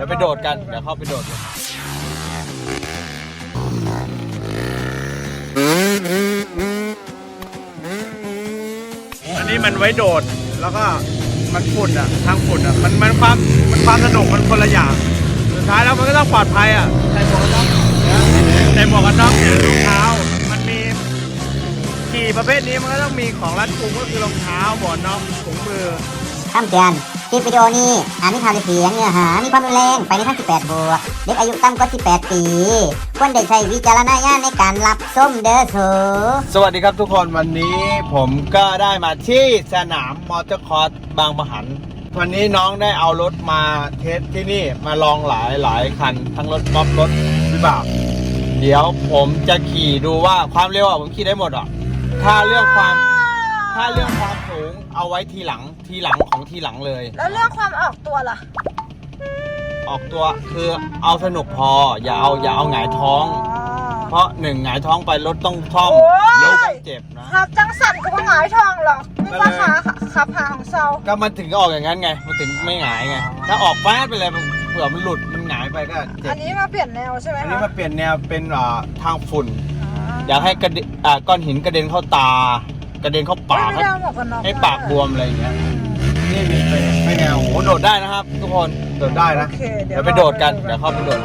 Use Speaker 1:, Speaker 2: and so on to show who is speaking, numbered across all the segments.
Speaker 1: ดี๋ยวไปโดดกันเดี๋ยวเข้าไปโดดกันอันนี้มันไว้โดดแล้วก็มันฝุ่นอ่ะทางฝุ่นอ่ะมันความสนุกมันคนละอย่างสุดท้ายแล้วมันก็ต้องปลอดภัยอ่ะใส่หมวกกันน็อกใส่หมวกกันน็อกรองเท้ามันมีขี่ประเภทนี้มันก็ต้องมีของรัดกุมก็คือรองเท้าหมวกกันน็อกถุงมือ
Speaker 2: คำเตือนคลิปวิดีโอนี้อาจมีภาพเสียงเนื้อหามีความรุนแรงไปในทาง18 บวกเด็กอายุต่ำกว่า18 ปีควรได้ใช้วิจารณญาณในการรับชมเด้อ
Speaker 1: สวัสดีครับทุกคนวันนี้ผมก็ได้มาที่สนามมอเตอร์คอร์สบางปะหันวันนี้น้องได้เอารถมาเทสที่นี่มาลองหลายคันทั้งรถกอล์ฟรถวิบากเดี๋ยวผมจะขี่ดูว่าความเร็วผมขี่ได้หมดถ้าเรื่องความสูงเอาไว้ทีหลังของทีหลังเลย
Speaker 3: แล้วเรื่องความออกตัวล่ะ
Speaker 1: ออกตัวคือเอาสนุกพออย่าเอาหงายท้องเพราะหนึ่งหงายท้องไปรถต้องท่อมรถต้องเจ็บนะครับ
Speaker 3: จังสั่นกับหงายท้องหรอไม่ว่าขาขับหาของเซา
Speaker 1: ก็มันถึงออกอย่างนั้นไงมันถึงไม่หงายไงถ้าออกแป๊ดไปเลยเผื่อมันหลุดมันหงายไปก็เจ็บ
Speaker 3: อันนี้มาเปลี่ยนแนวใช่ไหม
Speaker 1: อันนี้มาเปลี่ยนแนวเป็นทางฝุ่นอยากให้ก้อนหินกระเด็นเข้าตากระเด็นเข้าปากให้ปากบวมอะไรอย่างเงี้ยนี่ไม่แนวโหโดดได้นะครับทุกคนโดดได้นะเดี๋ยวไปโดดกันเดี๋ยวเข้าไปโดด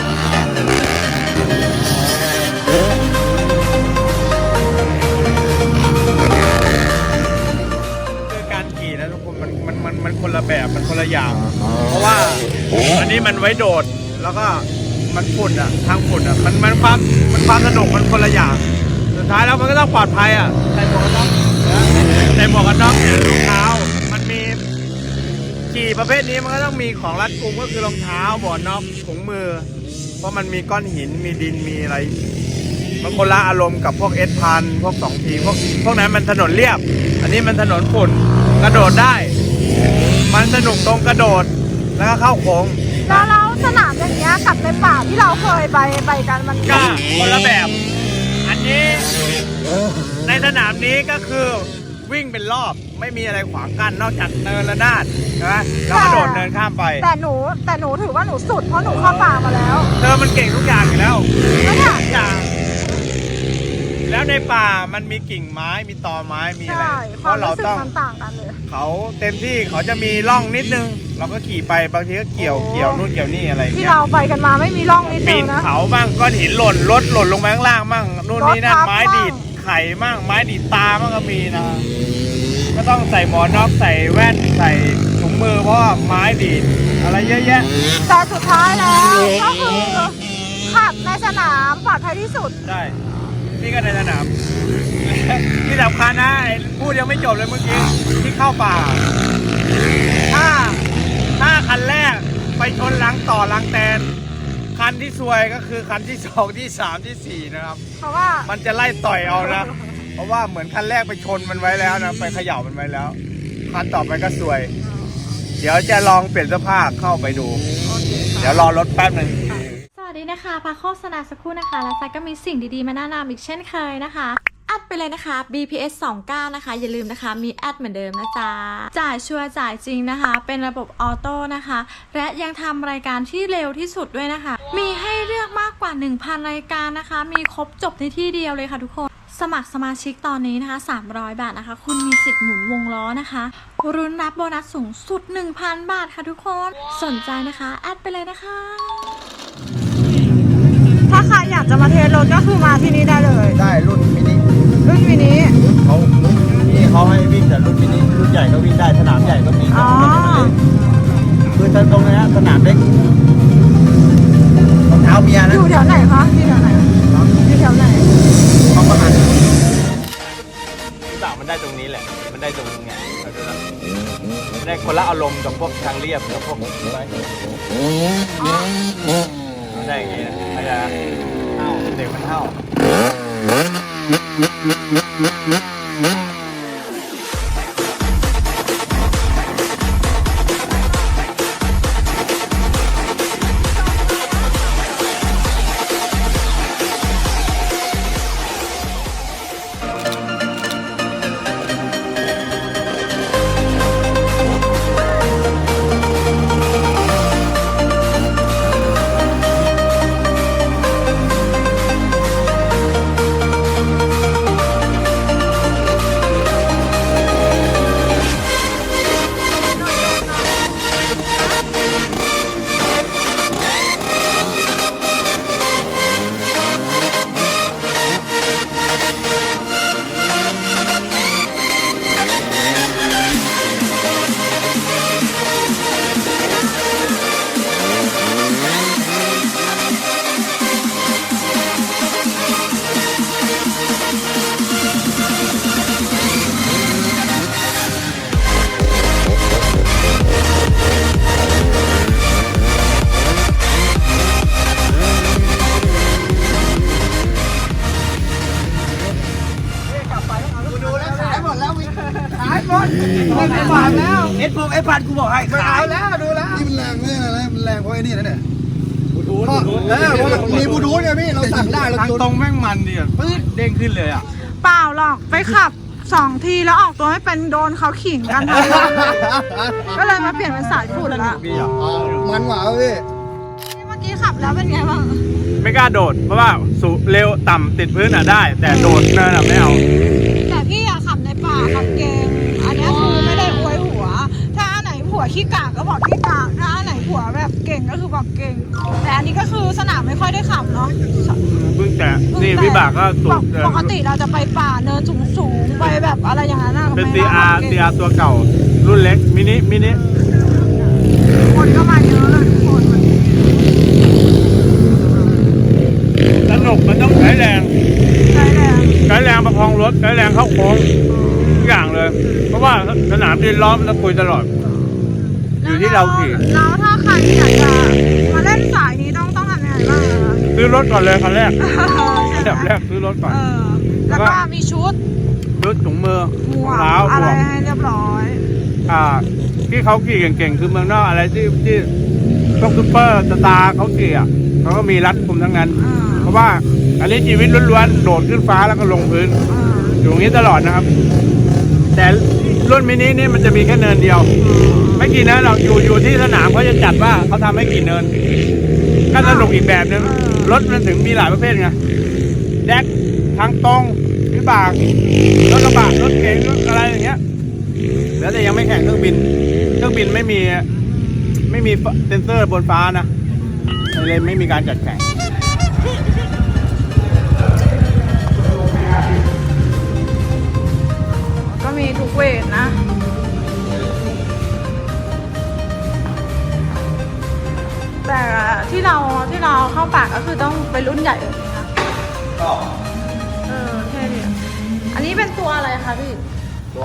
Speaker 1: คือการขี่นะทุกคนมันคนละแบบมันคนละอย่างเพราะว่าอันนี้มันไว้โดดแล้วก็มันฝุ่นอ่ะทางฝุ่นอ่ะมันความสนุกมันคนละอย่างสุดท้ายแล้วมันก็ต้องปลอดภัยอ่ะใส่หมวกกันน็อกใส่หมวกกันน็อกรองเท้ามันมีขี่ประเภทนี้มันก็ต้องมีของรัดกุมก็คือรองเท้าหมวกกันน็อกถุงมือเพราะมันมีก้อนหินมีดินมีอะไรมันคนละอารมณ์กับพวกS1000พวก2 ทีพวกนั้นมันถนนเรียบอันนี้มันถนนฝุ่นกระโดดได้มันสนุกตรงกระโดดแล้วก็เข้าโค้ง
Speaker 3: แล้วสนามอย่างเงี้ยกับในป่าที่เราเคยไปกันมัน
Speaker 1: ก็คนละแบบอันนี้ในสนามนี้ก็คือวิ่งเป็นรอบไม่มีอะไรขวางกั้นนอกจากเนินระนาดใช่ไหมแล้วกระโดดเนินข้ามไป
Speaker 3: แต่หนูถือว่าหนูสุดเพราะหนูเข้าป่ามาแล้ว
Speaker 1: เธอมันเก่งทุกอย่างอยู่แล้วทุกอย่างแล้วในป่ามันมีกิ่งไม้มีตอไม้มีอะไร
Speaker 3: เพราะเราต้องต่างกันเลย
Speaker 1: เขาเต็มที่เขาจะมีร่องนิดนึงเราก็ขี่ไปบางทีก็เกี่ยวนู่นเกี่ยวนี่อะไร
Speaker 3: ที่เราไปกันมาไม่มีร่องนิดนึงนะ
Speaker 1: เขาบ้างก้อนหินรถหล่นลงมาข้างล่างบ้างนู่นนี่นั่นไม้ดีดไข่บ้างไม้ดีดตาบ้างก็มีนะก็ต้องใส่หมวกน็อกใส่แว่นใส่ถุงมือเพราะไม้ดีดอะไรเยอะแยะ
Speaker 3: แต่สุดท้ายแล้วก็คือขับในสนามปลอดภัยที่สุด
Speaker 1: ใช่นี่ก็ในสนามที่สำคัญนะพูดยังไม่จบเลยเมื่อกี้ที่เข้าป่าถ้าคันแรกไปชนลังแตนคันที่ซวยก็คือคันที่2ที่3ที่4นะครับ
Speaker 3: เพราะว่า
Speaker 1: มันจะไล่ต่อยเอานะเพราะว่าเหมือนคันแรกไปชนมันไว้แล้วนะไปเขย่ามันไว้แล้วคันต่อไปก็ซวยเดี๋ยวจะลองเปลี่ยนเสื้อผ้าเข้าไปดูเดี๋ยวรอรถแป๊บนึง
Speaker 4: สวัสดีนะคะพักโฆษณาสักครู่นะคะและไซก็มีสิ่งดีๆมาแนะนำอีกเช่นเคยนะคะแอดไปเลยนะคะ BPS 29นะคะอย่าลืมนะคะมีแอดเหมือนเดิมนะจ๊ะจ่ายชัวร์จ่ายจริงนะคะเป็นระบบออโต้นะคะและยังทำรายการที่เร็วที่สุดด้วยนะคะมีให้เลือกมากกว่า 1,000 รายการนะคะมีครบจบในที่เดียวเลยค่ะทุกคนสมัครสมาชิกตอนนี้นะคะ300 บาทนะคะคุณมีสิทธิ์หมุนวงล้อนะคะรุ้นรับโบนัสสูงสุด 1,000 บาทค่ะทุกคนสนใจนะคะแอดไปเลยนะคะ
Speaker 3: ถ้าใครอยากจะมาเทสรถก็คือมาที่นี่ได้เลย
Speaker 1: ได้รุ่นมินิ
Speaker 3: เขา
Speaker 1: ให้วิ่งแต่รุ่นมินิรุ่นใหญ่ก็วิ่งได้สนามใหญ่ก็มีคือตรงนี้สนามเล็กรองเท้าเมียนะ
Speaker 3: อยู่แถวไหนคะที่แถวไหนอยู่แถวไหน
Speaker 1: เขาประมาณที่บ่ามันได้ตรงนี้แหละมันได้ตรงนี้ไงมันได้คนละอารมณ์กับพวกทางเรียบกับพวกอะไรได้อย่างนี้นะอาจารย์เท่าเด็กมันเท่าไอ้พันกูบอกให้ขายแล้วดูแล้ว
Speaker 5: นี่มันแรงไม่อะไรนะมันแรงเพราะไอ้นี่นะเนี่ย
Speaker 1: บูทูธ
Speaker 5: เพราะมันมีบลูทูธไงพี่เราสั่งได้เรา
Speaker 1: ทาง
Speaker 5: จุด
Speaker 1: ตรงแม่งมันดิปื๊ดเด้งขึ้นเลยอ่ะ
Speaker 3: เปล่าหรอกไปขับ2 ทีแล้วออกตัวไม่เป็นโดนเขาขิงกันทั้งวันเลยก็เลยมาเปลี่ยนเป็นสายฝุ่นละ
Speaker 1: พี่อ่ะ
Speaker 5: มันหวาพี่
Speaker 3: เมื่อกี้ขับแล้วเป็นไงบ้าง
Speaker 1: ไม่กล้าโดดเพราะว่าสูเร็วต่ำติดพื้นอ่ะได้ แต่โดดนั่นอ่ะไม่เอา
Speaker 3: แต่พี่อะขับในป่าขับเก่งอันเนี้ยคือไม่ได้อวยหัว ถ้าอันไหนผัวขี้กากก็บอกขี้กากถ้าอันไหนผัวแบบเก่งก็คือบอกเก่ง แต่อันนี้ก็คือสนามไม่ค่อยได้ขับเนาะ
Speaker 1: เพิ่งแต่นี่วิบากก็สูง
Speaker 3: ปกติเราจะไปป่าเนินสูงๆไปแบบอะไรอย่างนั้นอะ
Speaker 1: เป็น
Speaker 3: ไม่ได้
Speaker 1: CR
Speaker 3: เก่ง
Speaker 1: CR ตัวเก่ารุ่นเล็กมินิ
Speaker 3: คนก็มาเยอะเลยทุกคนวันนี้
Speaker 1: สนุกมันต้องใช้แรง
Speaker 3: ใช่แล้ว
Speaker 1: ใช้แรงประคองรถใช้แรงเข้าโค้งทุกอย่างเลย เพราะว่าสนามดินล้อมแล้วคุยตลอด อยู่ที่เราขี่
Speaker 3: แล้วถ้าใครอยากจะมาเล่นสายนี้ต้องทำยังไงบ้างอะ
Speaker 1: ซื้อรถก่อนเลยคันแรก
Speaker 3: ใช่
Speaker 1: อัน
Speaker 3: ไหม
Speaker 1: ดับแรกซื้อรถก่อน
Speaker 3: แล้วก็มีชุด
Speaker 1: ซื้อถุงมือ
Speaker 3: หม
Speaker 1: รอง
Speaker 3: วก
Speaker 1: เท้าห
Speaker 3: อะ
Speaker 1: ม
Speaker 3: ไร
Speaker 1: วก
Speaker 3: ให้เรียบร้อย
Speaker 1: ที่เขาขี่เก่งๆคือเมืองนอกอะไรที่พวกซุปเปอร์สตาร์เขาขี่อ่ะเขาก็มีรัดคุมทั้งนั้น
Speaker 3: อ่า
Speaker 1: เพราะว่าอันนี้ชีวิตล้วนๆโดดขึ้นฟ้าแล้วก็ลงพื้น
Speaker 3: อ่า
Speaker 1: อยู่อย่างนี้ตลอดนะครับ แต่รุ่นมินินี่มันจะมีแค่เนินเดียว ไม่กี่เนินเราอยู่ที่สนามเขาจะจัดว่าเขาทำให้กี่เนินก็สนุกอีกแบบนึงรถมันถึงมีหลายประเภทไงแดกทางตรงวิบากรถกระบะรถเก๋งรถอะไรอย่างเงี้ยแล้วแต่ยังไม่แข่งเครื่องบินไม่มีเซ็นเซอร์บนฟ้านะเลยไม่มีการจัดแข่ง
Speaker 3: ก็มีทุกเวทนะ แต่ที่เราเข้าปากก็คือต้องเป็นรุ่นใหญ่แบบนี้นะ
Speaker 1: ก็
Speaker 3: เท่ดีอันนี้เป็นตัวอะไรคะพี่
Speaker 6: ตัว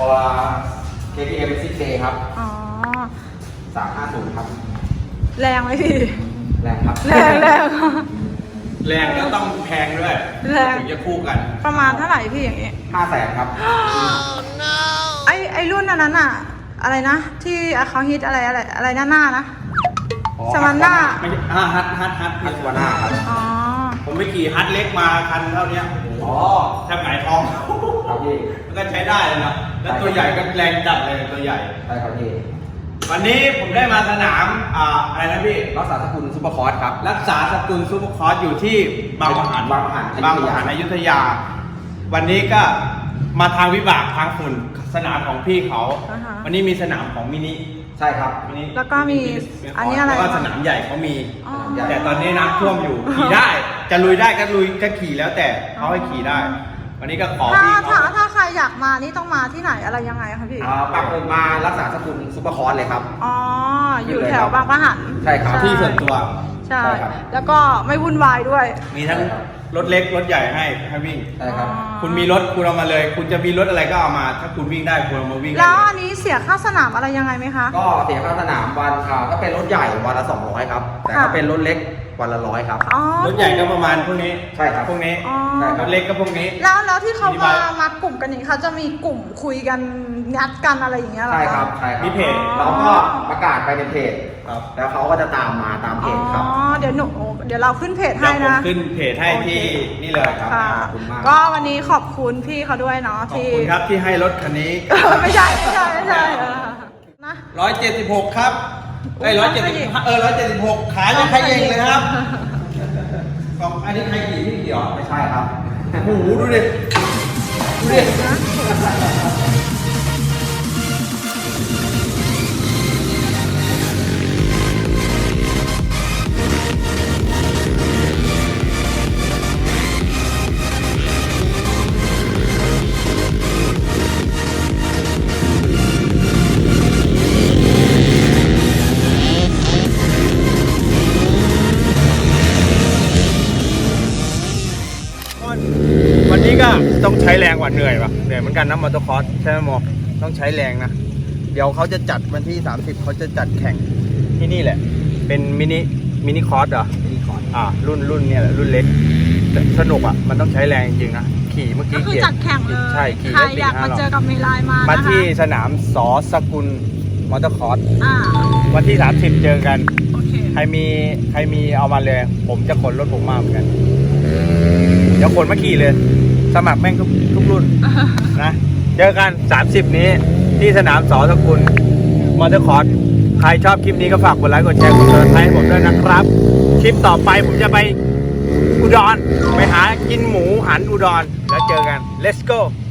Speaker 6: KTM 6K ครับ
Speaker 3: อ๋อ
Speaker 6: 350 ครับ
Speaker 3: แรงไหมพี่
Speaker 6: แรงครับ
Speaker 3: แรง
Speaker 1: แรงก็ต้องแพงด้วย
Speaker 3: แรง
Speaker 1: ถึงจะคู่กัน
Speaker 3: ประมาณเท่าไหร่พี่อย่างงี้
Speaker 6: 500,000 ครับ
Speaker 3: ไอรุ่นอันนั้นอะอะไรนะ ที่เขาฮิตอะไรหน้านะ สมันหน้า
Speaker 1: ไม่ใช่ฮัท
Speaker 6: ฮัตวาน่าครับ
Speaker 3: อ๋อ
Speaker 1: ผมไปขี่ฮัทเล็กมาคันเท่าเนี้ย
Speaker 6: อ๋อ
Speaker 1: แทบหงายท้อง
Speaker 6: ครับพี่
Speaker 1: มันก็ใช้ได้เลยนะแล้วตัวใหญ่ก็แรงจัดเลยตัวใหญ่
Speaker 6: ใช่ครับพี่
Speaker 1: วันนี้ผมได้มาสนามอะไรนะพี่
Speaker 6: รักษาสกุลซุปเปอร์คอร์สครับ
Speaker 1: รักษาสกุลซุปเปอร์คอร์สอยู่ที่บางประหัน
Speaker 6: บางประหัน
Speaker 1: บางประหันอยุธยา วันนี้ก็มาทางวิบากทางฝุ่นสนามของพี่เขา
Speaker 3: อ่าฮะ
Speaker 1: วันนี้มีสนามของมินิ
Speaker 6: ใช่ครับ
Speaker 1: มินิ
Speaker 3: แล้วก็มีอันนี้อะไร
Speaker 1: แล้วก็สนามใหญ่เขามี
Speaker 3: อ๋อ
Speaker 1: แต่ตอนนี้น้ำท่วมอยู่ ขี่ได้ จะลุยได้ก็ลุยก็ขี่แล้วแต่เขาให้ขี่ได้ วันนี้ก็ขอ
Speaker 3: ถ้า
Speaker 1: พี่เขา
Speaker 3: ถ้าใครอยากมานี่ต้องมาที่ไหนอะไรยังไงคะพี่
Speaker 6: ปักหมุดมารักษาสกุลซุปเปอร์คอร์สเลยครับ
Speaker 3: อ๋อ อยู่แถวบางปะหัน
Speaker 6: ใช่ครับ
Speaker 1: ที่ส่วนตัว
Speaker 3: ใช่
Speaker 6: ใช่ครับ
Speaker 3: แล้วก็ไม่วุ่นวายด้วย
Speaker 1: มีทั้งรถเล็กรถใหญ่ให้วิ่ง
Speaker 6: ใช่ครับ
Speaker 1: คุณมีรถคุณเอามาเลย คุณจะมีรถอะไรก็เอามา ถ้าคุณวิ่งได้คุณเอามาวิ่งได้
Speaker 3: แล้ว
Speaker 1: เลย
Speaker 3: อันนี้เสียค่าสนามอะไรยังไงไหมคะ
Speaker 6: ก็เสียค่าสนามวันถ้าเป็นรถใหญ่วันละ 200 ครับ แต่ถ้า
Speaker 3: ค่ะ
Speaker 6: เป็นรถเล็กวันละ 100 ครับ
Speaker 3: อ๋อ
Speaker 1: รถใหญ่ก็ประมาณพวกนี้
Speaker 6: ใช่ครับ
Speaker 1: พวกนี้
Speaker 3: อ๋อ
Speaker 6: ใช่ค
Speaker 1: ร
Speaker 6: รับ
Speaker 1: ถเล็กก็พวกนี้
Speaker 3: แล้วที่เขา
Speaker 1: มีใบ
Speaker 3: มากลุ่มกันอย่างนี้เขาจะมีกลุ่มคุยกันงัดกันอะไรอย่างเงี้ยเหรอ
Speaker 6: ใช่
Speaker 3: คะ
Speaker 6: ครับใช่ครับ
Speaker 1: มีเพจ
Speaker 6: เราก็ประกาศไปในเพจ
Speaker 1: ครับ
Speaker 6: แล้วเขาก็จะตามมาตามเพ
Speaker 3: อ๋อ
Speaker 6: จครับ
Speaker 3: เดี๋ยวเราขึ้นเพจ
Speaker 1: เดี๋
Speaker 3: ให้
Speaker 1: ยวผม
Speaker 3: นะ
Speaker 1: ขึ้นเพจให้ที่นี่เลยครับ
Speaker 3: ค่ะ
Speaker 6: ขอบคุณมาก
Speaker 3: ก็วันนี้ขอบคุณพี่เขาด้วยเนาะ
Speaker 1: ขอบ
Speaker 3: ที่
Speaker 1: คุณครับที่ให้รถคันนี้
Speaker 3: ไม่ใช่นะ
Speaker 1: 176 ครับไอ้176ขายยังใครเองเลยครับของอันนี้ใครขี่พี่เดียว
Speaker 6: ไม่ใช่ครับ
Speaker 1: โอ้โหดูดิ ดูดิ วันนี้ก็ต้องใช้แรงกว่าเหนื่อยป่ะเหนื่อยเหมือนกันนะมอเตอร์คอร์สใช่ไหมโมต้องใช้แรงนะ เดี๋ยวเขาจะจัดวันที่ 30เขาจะจัดแข่งที่นี่แหละ เป็นมินิคอร์สเหรอ
Speaker 6: มินิคอร์ส
Speaker 1: รุ่นเนี่ยแหละรุ่นเล็กแต่สนุกอ่ะมันต้องใช้แรงจริงๆนะขี่เมื่อ
Speaker 3: ก็
Speaker 1: กี้
Speaker 3: คือ
Speaker 1: เกีย
Speaker 3: จัดแข่งเลย
Speaker 1: ใช่ขี่
Speaker 3: ใคร
Speaker 1: ได้
Speaker 3: อยากมาเจอกับเมลายมา
Speaker 1: มา
Speaker 3: นะคะ
Speaker 1: ที่สนามสอสกุลมอเตอร์คอร์ส
Speaker 3: อ่า
Speaker 1: วันที่ 30 เจอกัน
Speaker 3: โอเค
Speaker 1: ใครมีเอามาเลย ผมจะขนรถผมมาเหมือนกันเดี๋ยวขนมาขี่เลย สมัครแม่งทุกรุ่น นะ เจอกัน 30 นี้ที่สนามสอสกุลมอเตอร์คอร์สใครชอบคลิปนี้ก็ฝากกดไลค์กดแชร์กดติดตามให้ผมด้วยนะครับ คลิปต่อไปผมจะไปอุดรไปหากินหมูหันอุดรแล้วเจอกัน let's go